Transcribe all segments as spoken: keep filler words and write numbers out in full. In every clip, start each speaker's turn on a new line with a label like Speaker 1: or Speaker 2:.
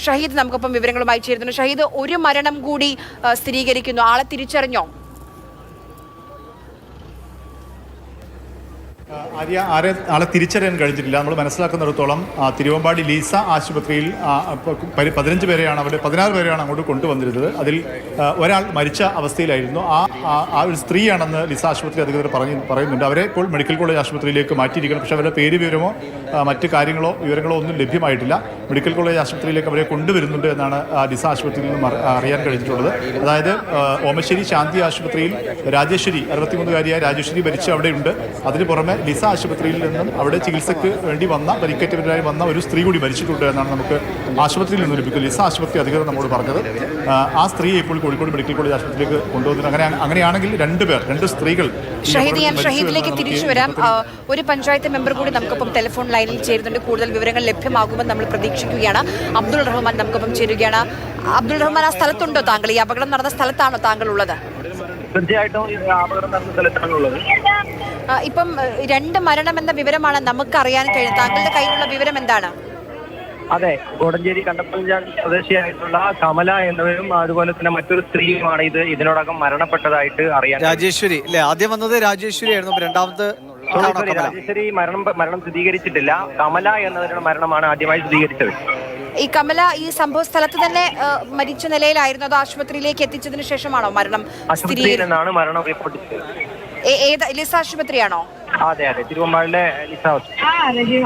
Speaker 1: ഷഹീദ് നമുക്കൊപ്പം വിവരങ്ങളുമായി ചേരുന്നു. ഷഹീദ്, ഒരു മരണം കൂടി സ്ഥിരീകരിക്കുന്നു. ആളെ തിരിച്ചറിഞ്ഞോ?
Speaker 2: ആര്യ ആരെ ആളെ തിരിച്ചറിയാൻ കഴിഞ്ഞിട്ടില്ല. നമ്മൾ മനസ്സിലാക്കുന്നിടത്തോളം തിരുവമ്പാടി ലീസ ആശുപത്രിയിൽ പതിനഞ്ച് പേരെയാണ് അവിടെ പതിനാറ് പേരെയാണ് അങ്ങോട്ട് കൊണ്ടുവന്നിരുന്നത്. അതിൽ ഒരാൾ മരിച്ച അവസ്ഥയിലായിരുന്നു. ആ ആ ഒരു സ്ത്രീയാണെന്ന് ലീസ ആശുപത്രി അധികൃതർ പറഞ്ഞു പറയുന്നുണ്ട്. അവരെ ഇപ്പോൾ മെഡിക്കൽ കോളേജ് ആശുപത്രിയിലേക്ക് മാറ്റിയിരിക്കണം. പക്ഷേ അവരുടെ പേര് വിവരമോ മറ്റ് കാര്യങ്ങളോ വിവരങ്ങളോ ഒന്നും ലഭ്യമായിട്ടില്ല. മെഡിക്കൽ കോളേജ് ആശുപത്രിയിലേക്ക് അവരെ കൊണ്ടുവരുന്നുണ്ട് എന്നാണ് ലീസ ആശുപത്രിയിൽ നിന്നും അറിയാൻ കഴിഞ്ഞിട്ടുള്ളത്. അതായത് ഓമശ്ശേരി ശാന്തി ആശുപത്രിയിൽ രാജേശ്വരി അറുപത്തിമൂന്നുകാരിയായ രാജേശ്വരി മരിച്ച് അവിടെയുണ്ട്. അതിന് പുറമെ ലിസ ആശുപത്രിയിൽ നിന്നും അവിടെ ചികിത്സയ്ക്ക് വേണ്ടി വന്ന പരിക്കേറ്റവരായി വന്ന ഒരു സ്ത്രീ കൂടി മരിച്ചിട്ടുണ്ട് എന്നാണ് നമുക്ക് ആശുപത്രിയിൽ നിന്ന് ലഭിക്കുന്നത്. ലിസ ആശുപത്രി അധികൃതർ നമ്മോട് പറഞ്ഞത്. ആ സ്ത്രീയെ ഇപ്പോൾ കോഴിക്കോട് മെഡിക്കൽ കോളേജ് ആശുപത്രിയിലേക്ക് കൊണ്ടുവന്നിട്ട് അങ്ങനെ അങ്ങനെയാണെങ്കിൽ രണ്ടുപേർ രണ്ട് സ്ത്രീകൾ.
Speaker 1: ഷഹീദ്, ഞാൻ ഷഹീദിലേക്ക് തിരിച്ചു വരാം. ഒരു പഞ്ചായത്ത് മെമ്പർ കൂടി നമുക്കൊപ്പം ടെലിഫോൺ ലൈനിൽ ചേരുന്നുണ്ട്. കൂടുതൽ വിവരങ്ങൾ ലഭ്യമാകുമെന്ന് നമ്മൾ പ്രതീക്ഷിക്കുകയാണ്. അബ്ദുൾ റഹ്മാൻ നമുക്കൊപ്പം ചേരുകയാണ്. അബ്ദുൾ റഹ്മാൻ, ആ സ്ഥലത്തുണ്ടോ താങ്കൾ? ഈ അപകടം നടന്ന സ്ഥലത്താണോ താങ്കൾ ഉള്ളത്?
Speaker 3: തീർച്ചയായിട്ടും അപകടം നടന്ന സ്ഥലത്താണുള്ളത്.
Speaker 1: ഇപ്പം രണ്ട് മരണം എന്ന വിവരമാണ് നമുക്ക് അറിയാൻ കഴിയുന്നത്. താങ്കളുടെ കയ്യിലുള്ള വിവരം എന്താണ്?
Speaker 3: അതെ, കോടഞ്ചേരി കണ്ടപ്പഞ്ചാൽ സ്വദേശിയായിട്ടുള്ള കമല എന്നിവരും അതുപോലെ തന്നെ മറ്റൊരു സ്ത്രീയുമാണ് ഇത് ഇതിനോടകം മരണപ്പെട്ടതായിട്ട് അറിയാൻ.
Speaker 4: രാജേശ്വരി അല്ലെ ആദ്യം വന്നത്? രാജേശ്വരി ആയിരുന്നു. രണ്ടാമത്
Speaker 3: രാജേശ്വരി മരണം മരണം സ്ഥിരീകരിച്ചിട്ടില്ല. കമല എന്നവരുടെ മരണമാണ് ആദ്യമായി സ്ഥിരീകരിച്ചത്.
Speaker 1: ഈ കമല ഈ സംഭവ സ്ഥലത്ത് തന്നെ മരിച്ച നിലയിലായിരുന്നു. അത് ആശുപത്രിയിലേക്ക് എത്തിച്ചതിന് ശേഷമാണോ മരണം
Speaker 3: സ്ഥിരീകരിച്ചത്? മരണം റിപ്പോർട്ട് ചെയ്തത്
Speaker 1: ഏത് ലിസ ആശുപത്രിയാണോ?
Speaker 3: അതെ അതെ, തിരുവമ്പാടിലെ ലിസ ആശുപത്രി.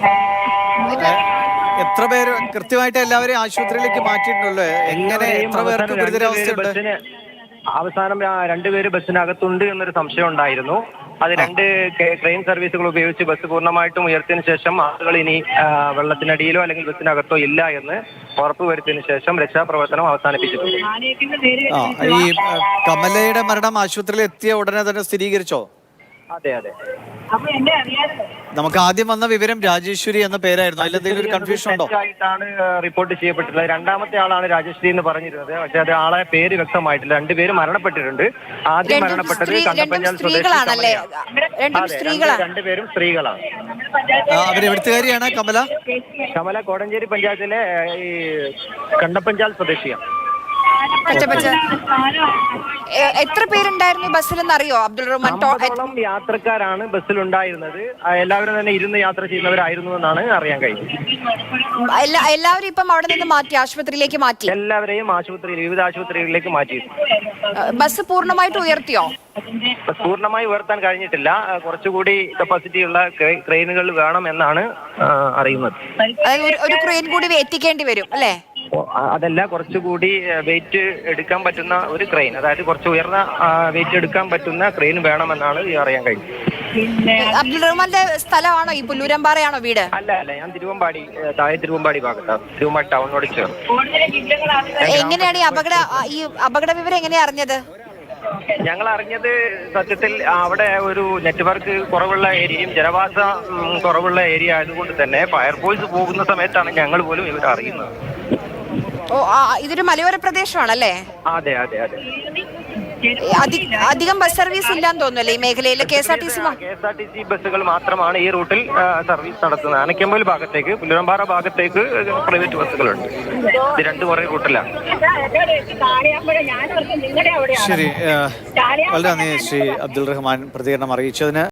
Speaker 4: എത്ര പേര് കൃത്യമായിട്ട് എല്ലാവരെയും ആശുപത്രിയിലേക്ക് മാറ്റിയിട്ടുണ്ടല്ലോ? എങ്ങനെ എത്ര പേർക്ക് ഗുരുതരാവസ്ഥയുണ്ട്?
Speaker 3: അവസാനം രണ്ടുപേര് ബസ്സിനകത്തുണ്ട് എന്നൊരു സംശയം ഉണ്ടായിരുന്നു. അത് രണ്ട് ട്രെയിൻ സർവീസുകൾ ഉപയോഗിച്ച് ബസ് പൂർണ്ണമായിട്ടും ഉയർത്തിയതിനു ശേഷം ആളുകൾ ഇനി വെള്ളത്തിനടിയിലോ അല്ലെങ്കിൽ ബസ്സിനകത്തോ ഇല്ല എന്ന് ഉറപ്പുവരുത്തിയതിനു ശേഷം രക്ഷാപ്രവർത്തനം അവസാനിപ്പിച്ചിട്ടുണ്ട്.
Speaker 4: ഈ കമലയുടെ മരണം ആശുപത്രിയിൽ എത്തിയ ഉടനെ തന്നെ സ്ഥിരീകരിച്ചോ?
Speaker 3: അതെ അതെ.
Speaker 4: നമുക്ക് ആദ്യം വന്ന വിവരം രാജേശ്വരി എന്ന പേരായിരുന്നു. അതിൽ എന്തെങ്കിലും ഒരു കൺഫ്യൂഷൻ ഉണ്ടോ?
Speaker 3: ആയിട്ടാണ് റിപ്പോർട്ട് ചെയ്യപ്പെട്ടിട്ടുള്ളത്. രണ്ടാമത്തെ ആളാണ് രാജേശ്വരി എന്ന് പറഞ്ഞിരുന്നത്. പക്ഷെ അത് ആളെ പേര് വ്യക്തമായിട്ടില്ല. രണ്ടുപേര് മരണപ്പെട്ടിട്ടുണ്ട്. ആദ്യം മരണപ്പെട്ടത് കണ്ടപ്പഞ്ചാൽ
Speaker 1: സ്വദേശികളാണല്ലേ?
Speaker 3: രണ്ടുപേരും സ്ത്രീകളാണ്.
Speaker 4: അവരെവിടുത്തുകാരിയാണ് കമല?
Speaker 3: കമല കോടഞ്ചേരി പഞ്ചായത്തിലെ ഈ കണ്ടപ്പഞ്ചാൽ സ്വദേശിയാണ്.
Speaker 1: എത്ര പേരുണ്ടായിരുന്നു ബസ്സിലെന്ന് അറിയോ അബ്ദുൾ റഹ്മാൻ?
Speaker 3: യാത്രക്കാരാണ് ബസ്സിൽ ഉണ്ടായിരുന്നത്. എല്ലാവരും തന്നെ ഇരുന്ന് യാത്ര ചെയ്യുന്നവരായിരുന്നു എന്നാണ് അറിയാൻ കഴിഞ്ഞത്.
Speaker 1: എല്ലാവരും ഇപ്പം അവിടെ നിന്ന് മാറ്റി ആശുപത്രിയിലേക്ക് മാറ്റി.
Speaker 3: എല്ലാവരെയും ആശുപത്രിയിൽ വിവിധ ആശുപത്രികളിലേക്ക് മാറ്റി.
Speaker 1: ബസ് പൂർണ്ണമായിട്ട് ഉയർത്തിയോ?
Speaker 3: പൂർണ്ണമായി ഉയർത്താൻ കഴിഞ്ഞിട്ടില്ല. കുറച്ചുകൂടി കപ്പാസിറ്റി ഉള്ള ക്രെയിനുകൾ വേണം എന്നാണ് അറിയുന്നത്.
Speaker 1: ഒരു ക്രെയിൻ കൂടി എത്തിക്കേണ്ടി വരും അല്ലേ?
Speaker 3: അതല്ല, കുറച്ചുകൂടി വെയിറ്റ് എടുക്കാൻ പറ്റുന്ന ഒരു ക്രെയിൻ, അതായത് കുറച്ച് ഉയർന്ന വെയിറ്റ് എടുക്കാൻ പറ്റുന്ന ക്രെയിൻ വേണമെന്നാണ് അറിയാൻ കഴിഞ്ഞത്.
Speaker 1: അബ്ദുൾ റഹ്മാന്റെ സ്ഥലമാണോ ഈ പുല്ലൂരമ്പാറയാണോ വീട്?
Speaker 3: അല്ല അല്ല, ഞാൻ തിരുവമ്പാടി താഴെ തിരുവമ്പാടി ഭാഗത്താണ്, തിരുവമ്പാടി ടൗണിനോട് ചേർന്ന്.
Speaker 1: എങ്ങനെയാണ് ഈ അപകട ഈ അപകട വിവരം എങ്ങനെയാ അറിഞ്ഞത്?
Speaker 3: ഞങ്ങൾ അറിഞ്ഞത് സത്യത്തിൽ അവിടെ ഒരു നെറ്റ്വർക്ക് കുറവുള്ള ഏരിയയും ജനവാസ കുറവുള്ള ഏരിയ ആയതുകൊണ്ട് തന്നെ ഫയർഫോഴ്സ് പോകുന്ന സമയത്താണ് ഞങ്ങൾ പോലും ഇവർ അറിയുന്നത്.
Speaker 1: ഓ, ഇതൊരു മലയോര പ്രദേശമാണല്ലേ?
Speaker 3: അതെ അതെ അതെ.
Speaker 1: അധികം ബസ് സർവീസ് ഇല്ലാന്ന് തോന്നുന്നല്ലേ ഈ മേഖലയിൽ? K S R T C
Speaker 3: K S R T C ബസ്സുകൾ മാത്രമാണ് ഈ റൂട്ടിൽ സർവീസ് നടത്തുന്നത്. അനക്കമ്പൽ ഭാഗത്തേക്ക്, പുല്ലൂരമ്പാറ ഭാഗത്തേക്ക് പ്രൈവറ്റ് ബസ്സുകളുണ്ട്. ഇത് രണ്ടു കുറേ റൂട്ടിലാണ്.
Speaker 4: ശരി, വളരെ നന്ദി ശ്രീ അബ്ദുൾ റഹ്മാൻ പ്രതികരണം അറിയിച്ചതിന്.